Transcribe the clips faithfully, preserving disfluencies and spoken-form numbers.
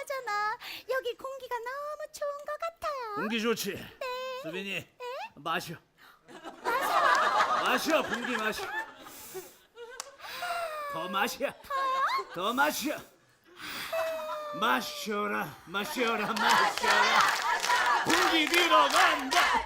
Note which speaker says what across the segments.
Speaker 1: 그나저나 여기 공기가 너무 좋은 것 같아요.
Speaker 2: 공기 좋지?
Speaker 1: 네.
Speaker 2: 수빈이
Speaker 1: 네?
Speaker 2: 마셔.
Speaker 1: 마셔.
Speaker 2: 마셔, 공기 마셔. 더 마셔. 더 마셔. 마셔라, 마셔라, 마셔라. 공기 들어간다.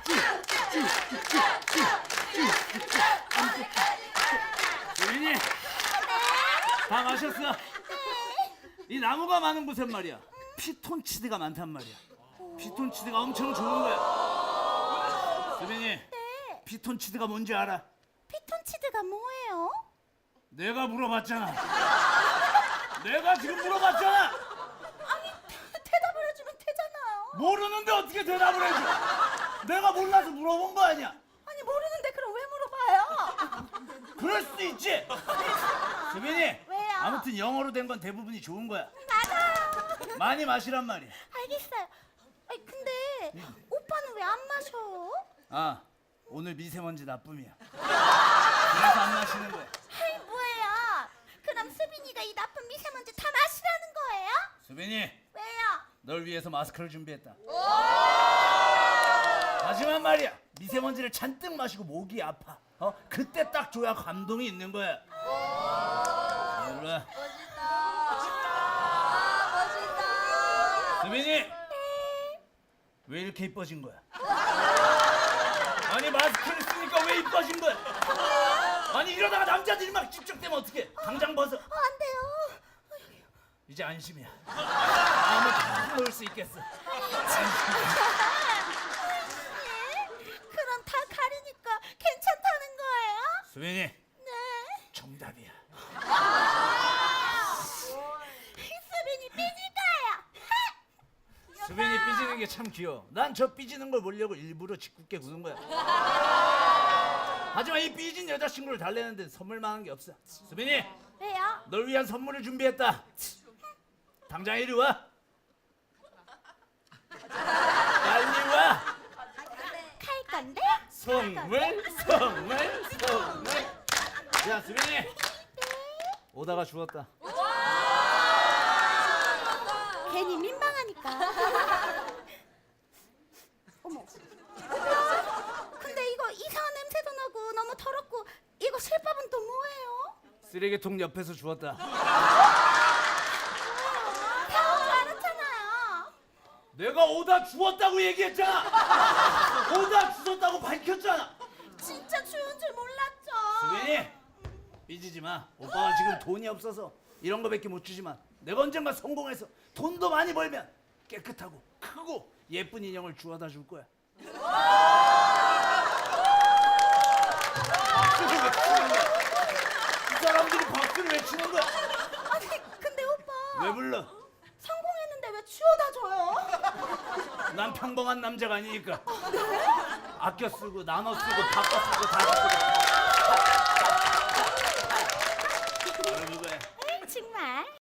Speaker 2: 수빈이 다 마셨어? 이 나무가 많은 곳엔 말이야 피톤치드가 많단 말이야. 피톤치드가 엄청 좋은 거야. 수빈이,
Speaker 1: 네.
Speaker 2: 피톤치드가 뭔지 알아?
Speaker 1: 피톤치드가 뭐예요?
Speaker 2: 내가 물어봤잖아. 내가 지금 물어봤잖아.
Speaker 1: 아니 대- 대답을 해주면 되잖아요.
Speaker 2: 모르는데 어떻게 대답을 해줘? 내가 몰라서 물어본 거 아니야.
Speaker 1: 아니 모르는데 그럼 왜 물어봐요?
Speaker 2: 그럴 수도 있지. 수빈이,
Speaker 1: 왜요?
Speaker 2: 아무튼 영어로 된 건 대부분이 좋은 거야.
Speaker 1: 맞아요.
Speaker 2: 많이 마시란 말이야.
Speaker 1: 알겠어요. 아니 근데 오빠는 왜 안 마셔?
Speaker 2: 아, 오늘 미세먼지 나쁨이야. 그래서 안 마시는 거야.
Speaker 1: 아이 뭐예요? 그럼 수빈이가 이 나쁜 미세먼지 다 마시라는 거예요?
Speaker 2: 수빈이,
Speaker 1: 왜요?
Speaker 2: 널 위해서 마스크를 준비했다. 하지만 말이야, 미세먼지를 잔뜩 마시고 목이 아파. 어? 그때 딱 줘야 감동이 있는 거야. 몰라. 수빈이, 왜 이렇게 이뻐진 거야? 아니 마스크를 쓰니까 왜 이뻐진 거야? 아니 이러다가 남자들이 막 집적되면 어떡해? 당장 벗어.
Speaker 1: 어, 안 돼요.
Speaker 2: 이제 안심이야. 마음을 다 놓을 수 있겠어.
Speaker 1: 예? 그럼 다 가리니까 괜찮다는 거예요?
Speaker 2: 수빈이,
Speaker 1: 네.
Speaker 2: 정답이야.
Speaker 1: 수빈이 삐질 거예요.
Speaker 2: 수빈이 삐지는 게 참 귀여워. 난 저 삐지는 걸 보려고 일부러 짓궂게 구는 거야. 하지만 이 삐진 여자친구를 달래는 데는 선물만한 게 없어. 수빈이,
Speaker 1: 왜요?
Speaker 2: 널 위한 선물을 준비했다. 당장 이리 와. 빨리 와.
Speaker 1: 갈 건데?
Speaker 2: 선물, 선물, 선물. 야, 수빈이. 오다가 죽었다.
Speaker 1: 괜히 민망하니까. 어머. 오빠, 근데 이거 이상한 냄새도 나고 너무 더럽고 이거 실밥은 또 뭐예요?
Speaker 2: 쓰레기통 옆에서 주웠다.
Speaker 1: 다올 줄 알았잖아요.
Speaker 2: 내가 오다 주웠다고 얘기했잖아. 오다 주웠다고 밝혔잖아.
Speaker 1: 진짜 추운 줄 몰랐죠.
Speaker 2: 수빈이, 삐지지 마. 오빠가 지금 돈이 없어서 이런 거밖에 못 주지만 내가 언젠가 성공해서 돈도 많이 벌면 깨끗하고 크고 예쁜 인형을 주워다 줄 거야. 박수를 왜 치는 거야? 이 사람들이 박수를 왜 치는 거야?
Speaker 1: 아니 근데 오빠
Speaker 2: 왜 불러?
Speaker 1: 성공했는데 왜 치워다 줘요?
Speaker 2: 난 평범한 남자가 아니니까. 아껴 쓰고 나눠 쓰고 바꿔 쓰고 다 쓰고. 바로 그거야.
Speaker 1: 정말.